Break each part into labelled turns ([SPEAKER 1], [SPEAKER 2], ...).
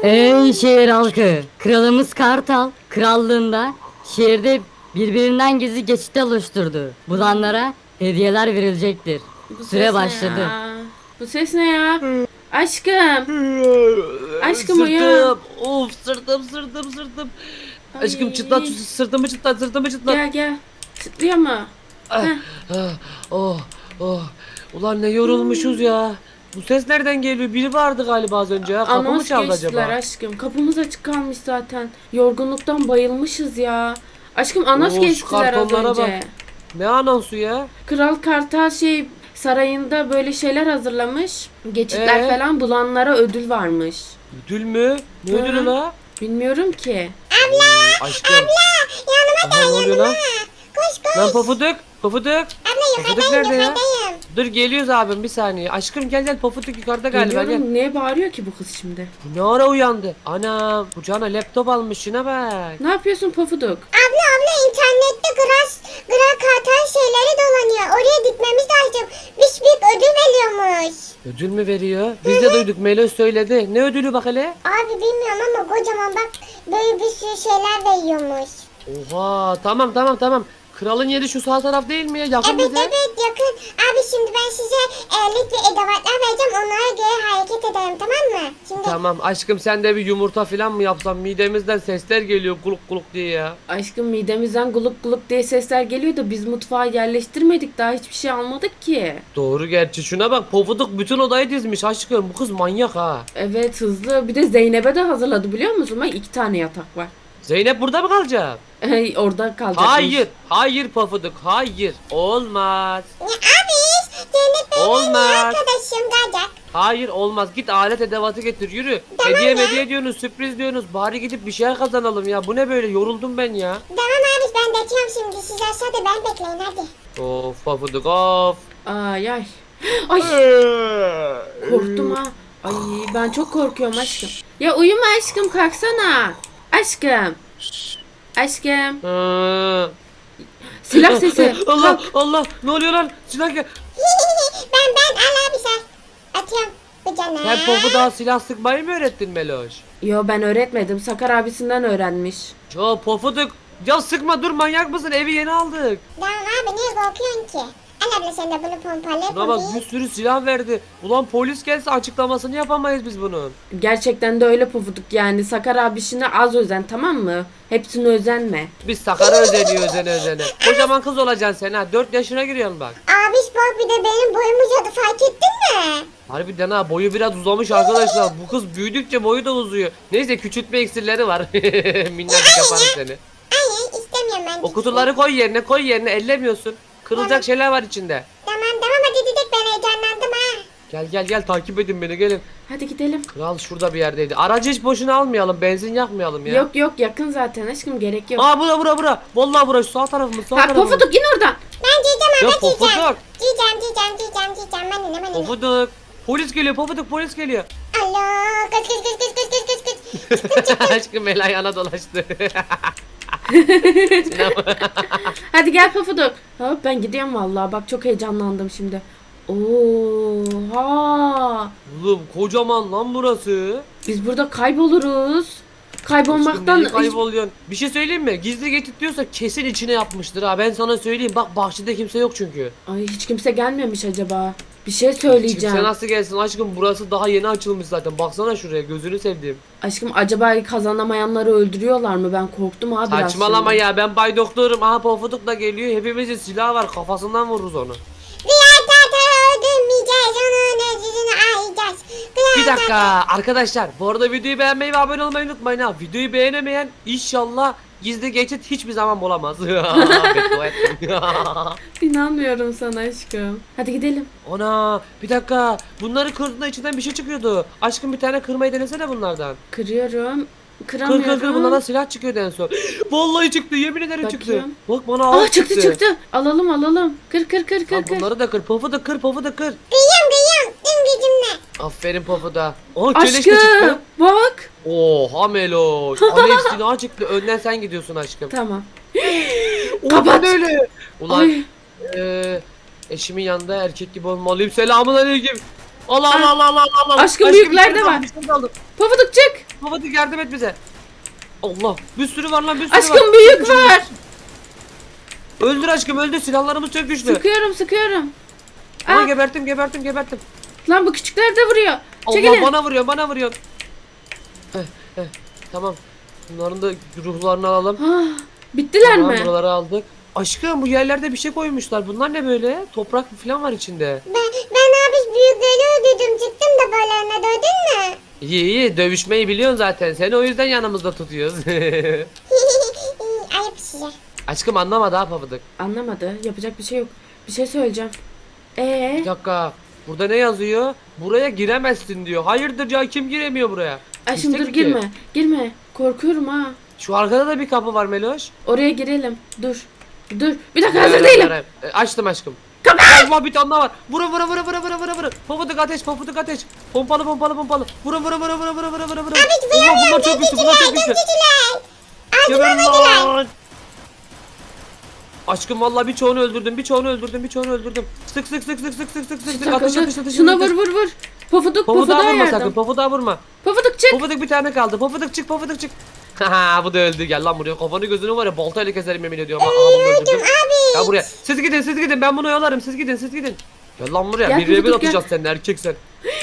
[SPEAKER 1] Ey şehir halkı! Kralımız Kartal, krallığında şehirde birbirinden gizli geçit oluşturdu. Bulanlara hediyeler verilecektir.
[SPEAKER 2] Bu
[SPEAKER 1] Süre
[SPEAKER 2] ses ne
[SPEAKER 1] başladı.
[SPEAKER 2] ya? Bu ses ne ya? Aşkım. Aşkım uyan.
[SPEAKER 3] Sırtım. Of sırtım.
[SPEAKER 2] Ay.
[SPEAKER 3] Aşkım çıtlat sırtımı çıtlat.
[SPEAKER 2] Gel gel. Çıtlıyor mu?
[SPEAKER 3] Ah,
[SPEAKER 2] Heh.
[SPEAKER 3] ah, oh oh. Ulan ne yorulmuşuz ya. Bu ses nereden geliyor? Biri vardı galiba az önce ya. Kapı mı
[SPEAKER 2] Anons
[SPEAKER 3] çaldı
[SPEAKER 2] geçtiler
[SPEAKER 3] acaba?
[SPEAKER 2] aşkım. Kapımız açık kalmış zaten. Yorgunluktan bayılmışız ya. Aşkım anons
[SPEAKER 3] Oo, şu
[SPEAKER 2] geçtiler az
[SPEAKER 3] kartonlara
[SPEAKER 2] önce.
[SPEAKER 3] bak. Ne anonsu ya?
[SPEAKER 2] Kral Kartal sarayında böyle şeyler hazırlamış. Geçitler falan bulanlara ödül varmış.
[SPEAKER 3] Ödül mü? Ne
[SPEAKER 2] Hı.
[SPEAKER 3] ödülü la?
[SPEAKER 2] Bilmiyorum ki.
[SPEAKER 3] Aşkım. Aha, ne oluyor lan? Lan Pofuduk. Pofuduk nerede ya? Dur geliyoruz abim bir saniye. Aşkım gel Pofuduk yukarıda galiba gel.
[SPEAKER 2] Geliyorum. Niye bağırıyor ki bu kız şimdi?
[SPEAKER 3] Bu ne ara uyandı? Ana kucağına laptop almış şuna bak.
[SPEAKER 2] Ne yapıyorsun Pofuduk?
[SPEAKER 4] Abla internette Kral Kartal şeyleri dolanıyor. Oraya gitmemiz lazım. Büyük ödül veriyormuş.
[SPEAKER 3] Ödül mü veriyor? Biz de duyduk Meloş söyledi. Ne ödülü bak hele?
[SPEAKER 4] Abi bilmiyorum ama kocaman bak böyle bir sürü şeyler veriyormuş.
[SPEAKER 3] Oha tamam. Kralın yeri şu sağ taraf değil mi ya? Yakın
[SPEAKER 4] Evet
[SPEAKER 3] bize.
[SPEAKER 4] yakın. Abi şimdi ben size elik ve edevatlar vereceğim. Onlara göre hareket edelim tamam mı? Şimdi
[SPEAKER 3] Tamam aşkım sen de bir yumurta falan mı yapsan midemizden sesler geliyor kuluk kuluk diye ya.
[SPEAKER 2] Aşkım midemizden gulup gulup diye sesler geliyor da biz mutfağa yerleştirmedik. Daha hiçbir şey almadık ki.
[SPEAKER 3] Doğru gerçi şuna bak Pofuduk bütün odayı dizmiş aşkım bu kız manyak ha.
[SPEAKER 2] Evet hızlı. Bir de Zeynep'e de hazırladı biliyor musun? Bak 2 tane yatak var.
[SPEAKER 3] Zeynep burada mı kalacak?
[SPEAKER 2] Orada kalacakmış.
[SPEAKER 3] Hayır Pofuduk hayır olmaz.
[SPEAKER 4] ya abi Zeynep benim
[SPEAKER 3] Olmaz.
[SPEAKER 4] arkadaşım gelecek.
[SPEAKER 3] Hayır olmaz git alet edevatı getir yürü.
[SPEAKER 4] Tamam
[SPEAKER 3] Hediye diyorsunuz sürpriz diyorsunuz bari gidip bir şey kazanalım ya bu ne böyle yoruldum ben ya.
[SPEAKER 4] Tamam abi ben geçiyorum şimdi. Siz aşağıda ben bekleyin hadi.
[SPEAKER 3] Of Pofuduk of.
[SPEAKER 2] Ay. Ay korktum ha. Ay ben çok korkuyorum aşkım. Ya uyuma aşkım kalksana. Aşkım. Silah sesi.
[SPEAKER 3] Allah ne oluyor lan silah gel.
[SPEAKER 4] ben al abi sen. Atıyorum bu cana.
[SPEAKER 3] Sen Pofuduk'a silah sıkmayı mı öğrettin Meloş?
[SPEAKER 2] Yo ben öğretmedim. Sakar abisinden öğrenmiş.
[SPEAKER 3] Ya Pofuduk ya sıkma dur manyak mısın evi yeni aldık.
[SPEAKER 4] Tamam abi niye korkuyorsun ki? Al abla sen de bunu pompalı
[SPEAKER 3] Buna bak bir sürü silah verdi. Ulan polis gelse açıklamasını yapamayız biz bunun.
[SPEAKER 2] Gerçekten de öyle Pufuduk yani. Sakar abisine az özen tamam mı? Hepsine özenme.
[SPEAKER 3] Biz Sakar'a özeniyor özene. Kocaman kız olacaksın sen ha 4 yaşına giriyorsun bak.
[SPEAKER 4] Abi bak bir de benim boyum uzadı fark ettin mi?
[SPEAKER 3] Harbiden ha boyu biraz uzamış arkadaşlar. Bu kız büyüdükçe boyu da uzuyor. Neyse küçültme iksirleri var. Minnacık yaparım seni.
[SPEAKER 4] Hayır istemiyorum ben.
[SPEAKER 3] O kutuları koy yerine ellemiyorsun. Kırılacak şeyler var içinde.
[SPEAKER 4] Tamam hadi dedik ben heyecanlandım ha.
[SPEAKER 3] Gel takip edin beni gelin.
[SPEAKER 2] Hadi gidelim.
[SPEAKER 3] Kral şurada bir yerdeydi. Aracı hiç boşuna almayalım. Benzin yakmayalım ya.
[SPEAKER 2] Yok yakın zaten aşkım gerek yok.
[SPEAKER 3] Aa bura. Vallahi bura şu sağ tarafımız sağ
[SPEAKER 2] Ha
[SPEAKER 3] tarafımız.
[SPEAKER 2] Pufuduk in oradan.
[SPEAKER 4] Ben diyeceğim
[SPEAKER 3] Ya
[SPEAKER 4] ama diyeceğim.
[SPEAKER 3] Pofuduk.
[SPEAKER 4] Diyeceğim. Ben ne?
[SPEAKER 3] Pofuduk. Polis geliyor Pofuduk polis geliyor.
[SPEAKER 4] Alo kız.
[SPEAKER 3] Aşkım el ayağına dolaştı.
[SPEAKER 2] Hadi gel Pufuduk. Hop ben gidiyorum vallahi bak çok heyecanlandım şimdi. Oha.
[SPEAKER 3] Oğlum kocaman lan burası.
[SPEAKER 2] Biz burada kayboluruz.
[SPEAKER 3] Aşkım
[SPEAKER 2] Kaybolmaktan
[SPEAKER 3] neyi kayboluyorsun? Bir şey söyleyeyim mi? Gizli geçit diyorsa kesin içine yapmıştır ha. Ben sana söyleyeyim. Bak bahçede kimse yok çünkü.
[SPEAKER 2] Ay hiç kimse gelmemiş acaba. Bir şey
[SPEAKER 3] Kimse
[SPEAKER 2] söyleyeceğim.
[SPEAKER 3] nasıl gelsin aşkım? Burası daha yeni açılmış zaten. Baksana şuraya gözünü sevdiğim.
[SPEAKER 2] Aşkım acaba kazanamayanları öldürüyorlar mı? Ben korktum abi biraz
[SPEAKER 3] Saçmalama
[SPEAKER 2] şimdi.
[SPEAKER 3] ya ben Bay Doktor'um. Aha Pofuduk da geliyor. Hepimizin silahı var. Kafasından vururuz onu.
[SPEAKER 4] Diğer tarafı öldürmeyeceğiz. Onun ödülünü alacağız.
[SPEAKER 3] Bir dakika arkadaşlar. Bu arada videoyu beğenmeyi ve abone olmayı unutmayın ha. Videoyu beğenemeyen inşallah gizli geçit hiçbir zaman bulamaz. Beddua ettim.
[SPEAKER 2] İnanmıyorum sana aşkım. Hadi gidelim.
[SPEAKER 3] Ana bir dakika. Bunları kırdığında içinden bir şey çıkıyordu. Aşkım bir tane kırmayı denesene bunlardan.
[SPEAKER 2] Kırıyorum. Kıramıyorum.
[SPEAKER 3] Kır bunlardan silah çıkıyordu en son. Vallahi çıktı yemin ederim çıktı.
[SPEAKER 2] Bakayım.
[SPEAKER 3] Bak bana ağır
[SPEAKER 2] Çıktı. Alalım. Kır.
[SPEAKER 3] Lan bunları da kır. Pofu da kır.
[SPEAKER 4] Kıyıyorum. Tüm gücümle.
[SPEAKER 3] Aferin Pofu da. Aa keleş de
[SPEAKER 2] Aşkım
[SPEAKER 3] çıktı.
[SPEAKER 2] bak.
[SPEAKER 3] Oha Meloş. Alev silahı çıktı. Önden sen gidiyorsun aşkım.
[SPEAKER 2] Tamam.
[SPEAKER 3] Kapat. Öyle. Ulan
[SPEAKER 2] Ay.
[SPEAKER 3] eşimin yanında erkek gibi olmalıyım. Selamun aleyküm. Allah.
[SPEAKER 2] Aşkım büyükler de var.
[SPEAKER 3] Bir şey aldım.
[SPEAKER 2] Pofuduk çık.
[SPEAKER 3] Pofuduk yardım et bize. Allah bir sürü var lan bir sürü var.
[SPEAKER 2] Aşkım büyük var.
[SPEAKER 3] Öldür aşkım öldür silahlarımız çok güçlü.
[SPEAKER 2] Sıkıyorum.
[SPEAKER 3] Ama
[SPEAKER 2] Aa,
[SPEAKER 3] geberttim.
[SPEAKER 2] lan bu küçükler de vuruyor.
[SPEAKER 3] Allah
[SPEAKER 2] Çekilin.
[SPEAKER 3] bana vuruyor. Tamam. Bunların da ruhlarını alalım.
[SPEAKER 2] Ah, bittiler
[SPEAKER 3] Tamam,
[SPEAKER 2] mi?
[SPEAKER 3] buraları aldık. Aşkım bu yerlerde bir şey koymuşlar. Bunlar ne böyle? Toprak falan var içinde.
[SPEAKER 4] Ben abi büyükleri öldürdüm çıktım da balarına dövdün mü?
[SPEAKER 3] İyi dövüşmeyi biliyorsun zaten. Seni o yüzden yanımızda tutuyoruz.
[SPEAKER 4] Ayıp size.
[SPEAKER 3] Aşkım anlamadı ha Pofuduk.
[SPEAKER 2] Anlamadı. Yapacak bir şey yok. Bir şey söyleyeceğim.
[SPEAKER 3] Bir dakika. Burada ne yazıyor? Buraya giremezsin diyor. Hayırdır ya kim giremiyor buraya?
[SPEAKER 2] Aşkım dur
[SPEAKER 3] İstek ki.
[SPEAKER 2] girme. Korkuyorum ha.
[SPEAKER 3] Şu arkada da bir kapı var Meloş.
[SPEAKER 2] Oraya girelim. Dur. Bir dakika hazır değilim.
[SPEAKER 3] Açtım aşkım. Allah bir tane daha var. Vurun. Pofuduk ateş. Pompalı. Vurun. Allah bunlar çok güçlü.
[SPEAKER 4] Güçlüler.
[SPEAKER 3] Geberin lan. Aşkım vallahi birçoğunu öldürdüm. Sık. Atış.
[SPEAKER 2] Şuna vur. Pofuduk
[SPEAKER 3] Pofuduğa vurma
[SPEAKER 2] yardım.
[SPEAKER 3] sakın. Pofuduğa vurma.
[SPEAKER 2] Pofuduk çık.
[SPEAKER 3] Pofuduk bir tane kaldı. Pofuduk çık. Haha bu da öldü. Gel lan buraya. Kafanı gözünü var ya baltayla keserim yemin ediyorum. Aha bunu öldürdüm. Gel buraya. Siz gidin. Ben bunu oyalarım. Siz gidin. Gel lan buraya.
[SPEAKER 2] Gel
[SPEAKER 3] Bir bir
[SPEAKER 2] Pofuduk,
[SPEAKER 3] atacağız seninle erkek sen.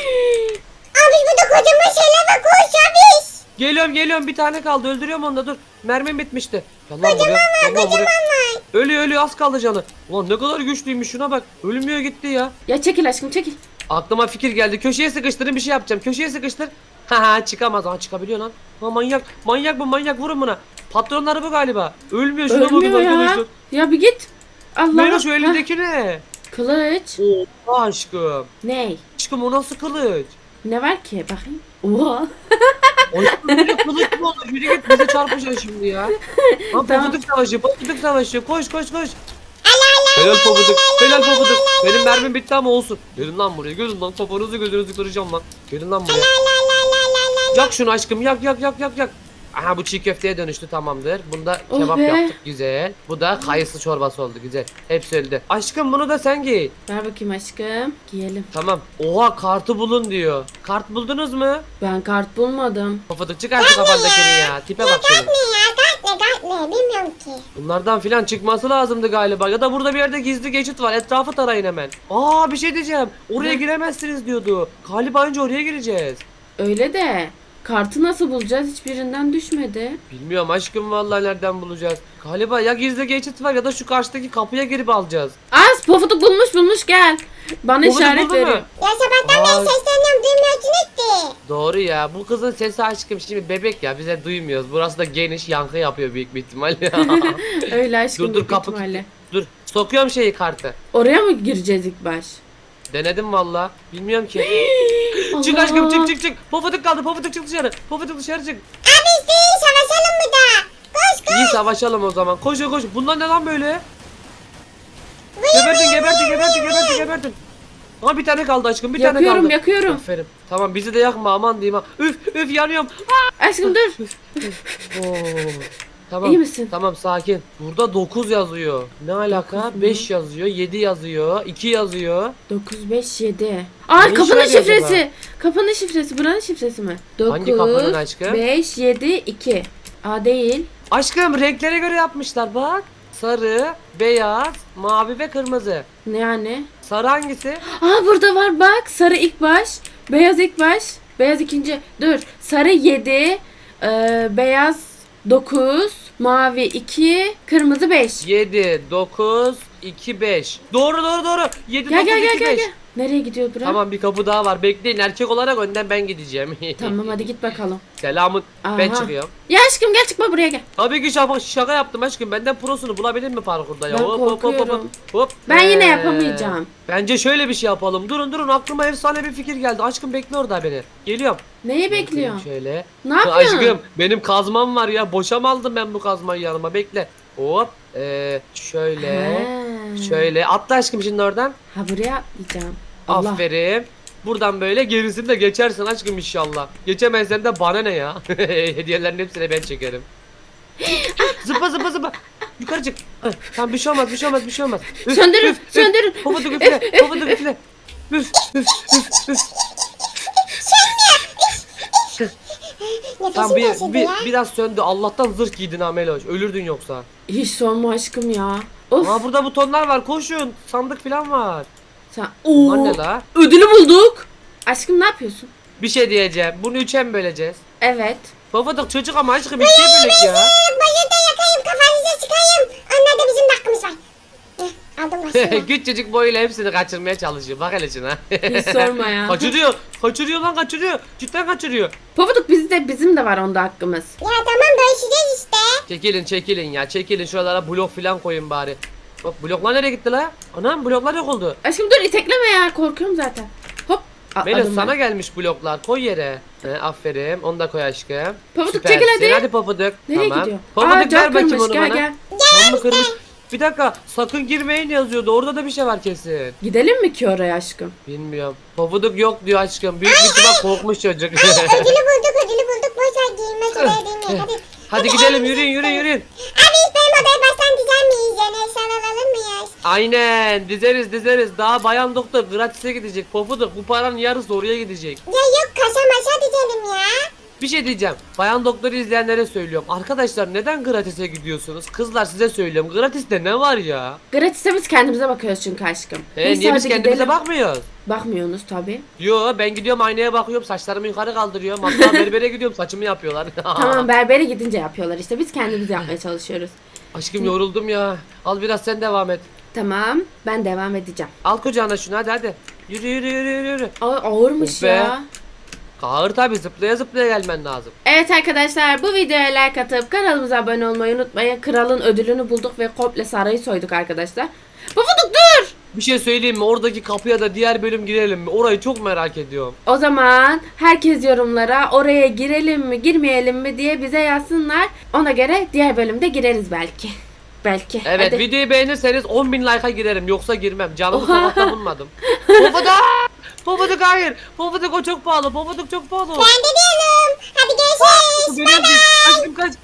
[SPEAKER 4] Abi burada kocaman şeyler var koş abi.
[SPEAKER 3] Geliyorum. Bir tane kaldı. Öldürüyorum onu da dur. Mermim bitmişti. Gel lan buraya. Ölüyor az kaldı canı. Ulan ne kadar güçlüymüş şuna bak. Ölmüyor gitti ya.
[SPEAKER 2] Ya çekil aşkım çekil.
[SPEAKER 3] Aklıma fikir geldi. Köşeye sıkıştırın bir şey yapacağım. Köşeye sıkıştır. Haha çıkamaz. Aha çıkabiliyor lan. Ha manyak vurun buna. Patronları bu galiba. Ölmüyor şuna bakın
[SPEAKER 2] Ölmüyor ya.
[SPEAKER 3] arkadaşlar.
[SPEAKER 2] Ya bir git. Allah.
[SPEAKER 3] Melo şu
[SPEAKER 2] Hah,
[SPEAKER 3] elindeki ne?
[SPEAKER 2] Kılıç.
[SPEAKER 3] Oha aşkım.
[SPEAKER 2] Ney?
[SPEAKER 3] Aşkım o nasıl kılıç?
[SPEAKER 2] Ne var ki? Bakayım. Oha.
[SPEAKER 3] Aşkım böyle kılıç mı olur? Yürü git bize çarpışıyor şimdi ya. Lan
[SPEAKER 2] Tamam.
[SPEAKER 3] pofuduk savaşı. Koş. Helal pofuduk. Benim mermim bitti ama olsun. Gelin lan buraya. Gelin lan gözünüzü kıracağım lan. Gelin lan buraya. Yak şunu aşkım yak. Aha bu çiğ köfteye dönüştü tamamdır. Bunda
[SPEAKER 2] Oh
[SPEAKER 3] kebap
[SPEAKER 2] be.
[SPEAKER 3] yaptık güzel. Bu da kayısı çorbası oldu güzel. Hepsi öldü. Aşkım bunu da sen giy.
[SPEAKER 2] Ver bakayım aşkım. Giyelim.
[SPEAKER 3] Tamam. Oha kartı bulun diyor. Kart buldunuz mu?
[SPEAKER 2] Ben kart bulmadım.
[SPEAKER 3] Pofuduk çıkar şu kafandakini ya. Tipe bak senin.
[SPEAKER 4] Ne bilmiyorum ki.
[SPEAKER 3] Bunlardan filan çıkması lazımdı galiba. Ya da burada bir yerde gizli geçit var. Etrafı tarayın hemen. Aa bir şey diyeceğim. Oraya
[SPEAKER 2] Ne?
[SPEAKER 3] giremezsiniz diyordu. Galiba önce oraya gireceğiz.
[SPEAKER 2] Öyle de. Kartı nasıl bulacağız? Hiçbirinden düşmedi.
[SPEAKER 3] Bilmiyorum aşkım vallahi nereden bulacağız. Galiba ya gizli geçit var ya da şu karşıdaki kapıya girip alacağız.
[SPEAKER 2] Az Pofuduk bulmuş gel. Bana
[SPEAKER 3] Pofuduk
[SPEAKER 2] işaret
[SPEAKER 3] buldun mu?
[SPEAKER 2] veriyor.
[SPEAKER 4] Ya sabahtan
[SPEAKER 3] Aa.
[SPEAKER 4] beri sesleniyorum duymuyorsun etti.
[SPEAKER 3] Doğru ya. Bu kızın sesi aşkım şimdi bebek ya. Bize duymuyoruz. Burası da geniş yankı yapıyor büyük bir ihtimalle.
[SPEAKER 2] Öyle aşkım
[SPEAKER 3] dur
[SPEAKER 2] büyük
[SPEAKER 3] kapı
[SPEAKER 2] ihtimalle.
[SPEAKER 3] dur. Sokuyorum kartı.
[SPEAKER 2] Oraya mı gireceğiz ilk baş?
[SPEAKER 3] Denedim valla. Bilmiyorum ki. Çık
[SPEAKER 2] Allah.
[SPEAKER 3] aşkım çık. Pofuduk kaldı. Pofuduk çık dışarı. Pofuduk dışarı çık.
[SPEAKER 4] Abi işte savaşalım mı da? Koş.
[SPEAKER 3] İyi savaşalım o zaman. Koş. Bunlar ne lan böyle? Gebertin. Ama bir tane kaldı aşkım. Bir tane kaldı.
[SPEAKER 2] Yakıyorum.
[SPEAKER 3] Aferin. Tamam bizi de yakma aman diyeyim ha. Üf yanıyorum.
[SPEAKER 2] Aşkım dur.
[SPEAKER 3] Oo. Tamam.
[SPEAKER 2] İyi misin?
[SPEAKER 3] Tamam sakin. Burada 9 yazıyor. Ne alaka?
[SPEAKER 2] 9 mu?
[SPEAKER 3] 5 yazıyor, 7 yazıyor, 2 yazıyor.
[SPEAKER 2] 9 5 7. Aa
[SPEAKER 3] Ne
[SPEAKER 2] kapının
[SPEAKER 3] işe yarıyor
[SPEAKER 2] şifresi. Kapının şifresi. Buranın şifresi mi? 9
[SPEAKER 3] Hangi kapının aşkım?
[SPEAKER 2] 5 7 2. Aa değil.
[SPEAKER 3] Aşkım renklere göre yapmışlar bak. Sarı, beyaz, mavi ve kırmızı.
[SPEAKER 2] Ne yani?
[SPEAKER 3] Sarı hangisi?
[SPEAKER 2] Aa burada var bak. Sarı ilk baş. Beyaz ilk baş. Beyaz ikinci. Dur. Sarı 7. Beyaz 9. Mavi 2. Kırmızı 5.
[SPEAKER 3] 7, 9, 2, 5. Doğru. 7,
[SPEAKER 2] Gel
[SPEAKER 3] 9,
[SPEAKER 2] gel
[SPEAKER 3] 2, 5.
[SPEAKER 2] gel. Nereye gidiyor bura?
[SPEAKER 3] Tamam bir kapı daha var. Bekleyin erkek olarak önden ben gideceğim.
[SPEAKER 2] Tamam hadi git bakalım.
[SPEAKER 3] Selamın. Ben
[SPEAKER 2] Aha.
[SPEAKER 3] çıkıyorum.
[SPEAKER 2] Ya aşkım gel çıkma buraya gel.
[SPEAKER 3] Tabii ki şaka yaptım aşkım. Benden prosunu bulabilir mi parkurda ya?
[SPEAKER 2] Ben korkuyorum. Ben yine yapamayacağım.
[SPEAKER 3] Bence şöyle bir şey yapalım. Durun aklıma efsane bir fikir geldi. Aşkım bekle orada beni. Geliyorum.
[SPEAKER 2] Neyi bekliyorsun?
[SPEAKER 3] Şöyle.
[SPEAKER 2] Ne yapıyorsun?
[SPEAKER 3] Aşkım benim kazmam var ya. Boşa mı aldım ben bu kazmayı yanıma? Bekle. Hop. Şöyle.
[SPEAKER 2] Ha.
[SPEAKER 3] Şöyle. Atla aşkım şimdi oradan.
[SPEAKER 2] Ha buraya atlayacağım. Allah.
[SPEAKER 3] Aferin. Buradan böyle gerisini de geçersin aşkım inşallah. Geçemezsen de bana ne ya? Hediyelerin hepsini ben çekerim. Zıpla. Yukarı çık. Tamam bir şey olmaz. Üf,
[SPEAKER 2] Söndürün,
[SPEAKER 3] üf.
[SPEAKER 2] söndürün.
[SPEAKER 3] Pofuduk üfle. Üf.
[SPEAKER 4] Ne
[SPEAKER 3] Tamam
[SPEAKER 4] Nefesim kesildi ya.
[SPEAKER 3] biraz söndü. Allah'tan zırh giydin ha Meloş. Ölürdün yoksa.
[SPEAKER 2] Hiç sorma aşkım ya. Of.
[SPEAKER 3] Aa burada butonlar var. Koşun. Sandık falan var.
[SPEAKER 2] Sen...
[SPEAKER 3] Bunlar
[SPEAKER 2] Oo.
[SPEAKER 3] ne la?
[SPEAKER 2] Ödülü bulduk. Aşkım ne yapıyorsun?
[SPEAKER 3] Bir şey diyeceğim. Bunu 3'e mi böleceğiz?
[SPEAKER 2] Evet.
[SPEAKER 3] Babadık çocuk ama aşkım 2'ye bölek ya.
[SPEAKER 4] Bayılda yakayım kafanıza çıkayım. Onlarda bizim de hakkımız var. Aldım başını.
[SPEAKER 3] Küçücük boyuyla hepsini kaçırmaya çalışıyor. Bak hele şuna.
[SPEAKER 2] Hiç sorma ya.
[SPEAKER 3] Kaçırıyor. Kaçırıyor lan kaçırıyor. Cidden kaçırıyor.
[SPEAKER 2] Pofuduk bizim de var onda hakkımız.
[SPEAKER 4] Ya tamam bölüşeceğiz işte.
[SPEAKER 3] Çekilin ya. Çekilin şuralara blok falan koyun bari. Bak bloklar nereye gitti la? Anam bloklar yok oldu.
[SPEAKER 2] Aşkım dur itekleme ya korkuyorum zaten. Hop.
[SPEAKER 3] Melis
[SPEAKER 2] atladım
[SPEAKER 3] sana
[SPEAKER 2] ben.
[SPEAKER 3] gelmiş bloklar. Koy yere. Aferin. Onu da koy aşkım.
[SPEAKER 2] Pofuduk
[SPEAKER 3] Süpersin.
[SPEAKER 2] çekil hadi.
[SPEAKER 3] Hadi Pofuduk.
[SPEAKER 2] Nereye
[SPEAKER 3] tamam.
[SPEAKER 2] gidiyor?
[SPEAKER 3] Pofuduk
[SPEAKER 2] cam
[SPEAKER 3] ver bakayım
[SPEAKER 2] kırmış,
[SPEAKER 3] onu
[SPEAKER 2] gel
[SPEAKER 3] bana.
[SPEAKER 2] gel.
[SPEAKER 3] Cam mı kırmış? Bir dakika sakın girmeyin yazıyordu. Orada da bir şey var kesin.
[SPEAKER 2] Gidelim mi ki oraya aşkım?
[SPEAKER 3] Bilmiyorum. Pofuduk yok diyor aşkım. Büyük bir ihtimal korkmuş çocuk.
[SPEAKER 4] Ödülü bulduk. Boş ver giyinmez oraya değmeyin.
[SPEAKER 3] Hadi gidelim yürüyün.
[SPEAKER 4] Abi hiç benim odayı baştan dizer miyiz? Yani eşyalar alır mıyız?
[SPEAKER 3] Aynen dizeriz. Daha bayan doktor gratis'e gidecek. Pofuduk bu paranın yarısı oraya gidecek.
[SPEAKER 4] Ya yok kaşa maşa dizelim ya.
[SPEAKER 3] Bir şey diyeceğim. Bayan doktoru izleyenlere söylüyorum. Arkadaşlar neden gratis'e gidiyorsunuz? Kızlar size söylüyorum. Gratis'te ne var ya?
[SPEAKER 2] Gratis'e biz kendimize bakıyoruz çünkü aşkım. Neyse,
[SPEAKER 3] Niye biz
[SPEAKER 2] hadi
[SPEAKER 3] kendimize
[SPEAKER 2] gidelim.
[SPEAKER 3] bakmıyoruz?
[SPEAKER 2] Bakmıyorsunuz tabi.
[SPEAKER 3] Yo ben gidiyorum aynaya bakıyorum. Saçlarımı yukarı kaldırıyorum. Hatta berbere gidiyorum. Saçımı yapıyorlar.
[SPEAKER 2] Tamam berbere gidince yapıyorlar işte biz kendimiz yapmaya çalışıyoruz.
[SPEAKER 3] Aşkım yoruldum ya. Al biraz sen devam et.
[SPEAKER 2] Tamam ben devam edeceğim.
[SPEAKER 3] Al kucağına şunu hadi. Yürü.
[SPEAKER 2] Ağırmış
[SPEAKER 3] Of be.
[SPEAKER 2] ya.
[SPEAKER 3] Ağır tabi zıplaya gelmen lazım.
[SPEAKER 2] Evet arkadaşlar bu videoya like atıp kanalımıza abone olmayı unutmayın. Kralın ödülünü bulduk ve komple sarayı soyduk arkadaşlar. Pofuduk dur.
[SPEAKER 3] Bir şey söyleyeyim mi? Oradaki kapıya da diğer bölüm girelim mi? Orayı çok merak ediyorum.
[SPEAKER 2] O zaman herkes yorumlara oraya girelim mi girmeyelim mi diye bize yazsınlar. Ona göre diğer bölümde gireriz belki. Belki.
[SPEAKER 3] Evet
[SPEAKER 2] Hadi.
[SPEAKER 3] videoyu beğenirseniz 10.000 like'a girerim. Yoksa girmem. Canımı
[SPEAKER 2] Oha.
[SPEAKER 3] sokakta bulmadım. Pofuduk! Pofuduk hayır. Pofuduk o çok pahalı. Pofuduk çok pahalı.
[SPEAKER 4] Ben de diyorum. Hadi görüşürüz.
[SPEAKER 3] Benim aşkım kaç.